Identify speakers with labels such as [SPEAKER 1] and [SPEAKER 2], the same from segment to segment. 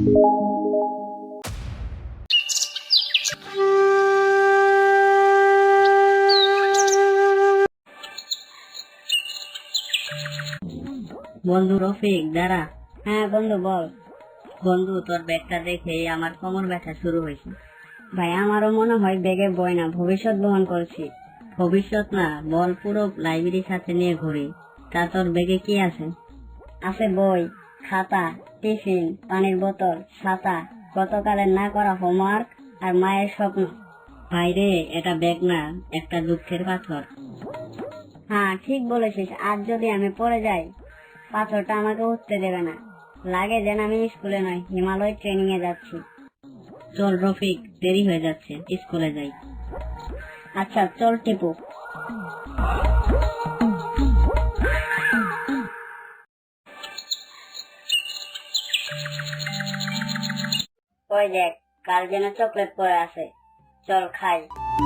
[SPEAKER 1] বন্ধু রফিক দাঁড়া। হ্যাঁ বন্ধু বল। বন্ধু তোর ব্যাগটা দেখে আমার কোমর ব্যথা শুরু হয়েছে। ভাই আমারও মনে হয় ব্যাগে বই না, ভবিষ্যৎ বহন করছি। ভবিষ্যৎ না, বল পুরো লাইব্রেরির সাথে নিয়ে ঘুরি। তা তোর ব্যাগে কি আছে? আছে বই, খাতা, টিফিন, পানির বোতল, ছাতা, গতকালের না করা হোমওয়ার্ক আর মায়ের স্বপ্ন। ভাইরে এটা ব্যাগ না, একটা দুঃখের পাথর। হ্যাঁ ঠিক বলেছিস, আজ যদি আমি পড়ে যাই পাথরটা আমাকে উঠতে দেবে না। লাগে যেন আমি স্কুলে নয়, হিমালয় ট্রেনিং এ যাচ্ছি। চল রফিক, দেরি হয়ে যাচ্ছে, স্কুলে যাই। আচ্ছা চল টিপু। ওই দেখ, কার যেন চকলেট পড়ে আছে, চল খাই।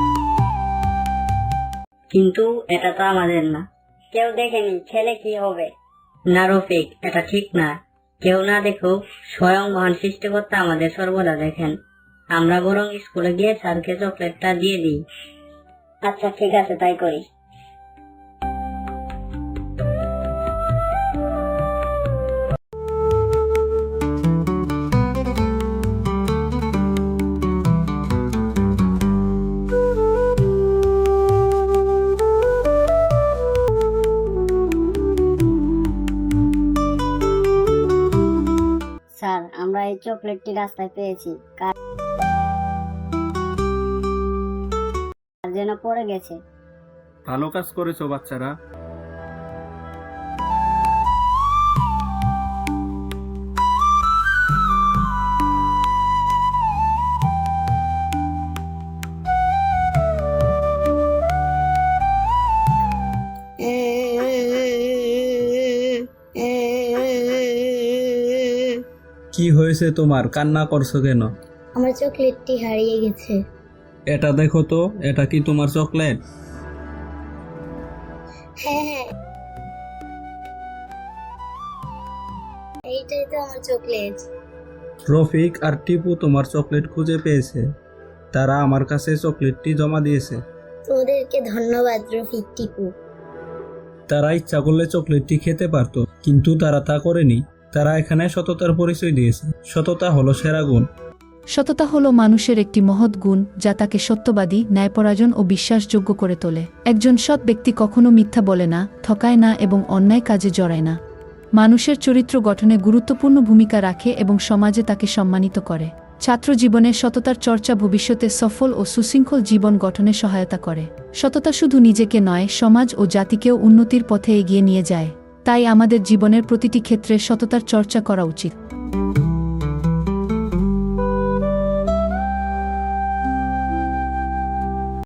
[SPEAKER 1] কিন্তু এটা তো আমাদের না। কেউ দেখেনি, ছেলে কি হবে? না রফিক, এটা ঠিক না। কেউ না দেখুক, স্বয়ং মহান সৃষ্টিকর্তা আমাদের সর্বদা দেখেন। আমরা বরং স্কুলে গিয়ে স্যারকে চকলেটটা দিয়ে দিই। আচ্ছা ঠিক আছে, তাই করি। স্যার, আমরা এই চকলেটটি রাস্তায় পেয়েছি, কার যেন পড়ে গেছে।
[SPEAKER 2] ভালো কাজ করেছো বাচ্চারা। কি হয়েছে তোমার, কান্না করছো কেন?
[SPEAKER 3] আমার চকলেটটি হারিয়ে গেছে।
[SPEAKER 2] এটা দেখো তো, এটা কি তোমার চকলেট?
[SPEAKER 3] হ্যাঁ হ্যাঁ, এইটাই তো আমার চকলেট।
[SPEAKER 2] রফিক আর টিপু তোমার চকলেট খুঁজে পেয়েছে। তারা আমার কাছে চকলেটটি জমা দিয়েছে।
[SPEAKER 3] তোমাদেরকে ধন্যবাদ রফিক, টিপু।
[SPEAKER 2] তারা ইচ্ছা করলে চকলেটটি খেতে পারতো, কিন্তু তারা তা করেনি। তারা এখানে সততার পরিচয় দিয়েছে। সততা হলো সেরা গুণ।
[SPEAKER 4] সততা হলো মানুষের একটি মহৎ গুণ, যা তাকে সত্যবাদী, ন্যায়পরায়ণ ও বিশ্বাসযোগ্য করে তোলে। একজন সৎ ব্যক্তি কখনো মিথ্যা বলে না, ঠকায় না এবং অন্যায় কাজে জড়ায় না। মানুষের চরিত্র গঠনে গুরুত্বপূর্ণ ভূমিকা রাখে এবং সমাজে তাকে সম্মানিত করে। ছাত্র জীবনে সততার চর্চা ভবিষ্যতে সফল ও সুশৃঙ্খল জীবন গঠনে সহায়তা করে। সততা শুধু নিজেকে নয়, সমাজ ও জাতিকেও উন্নতির পথে এগিয়ে নিয়ে যায়। তাই আমাদের জীবনের প্রতিটি ক্ষেত্রে সততার চর্চা করা উচিত।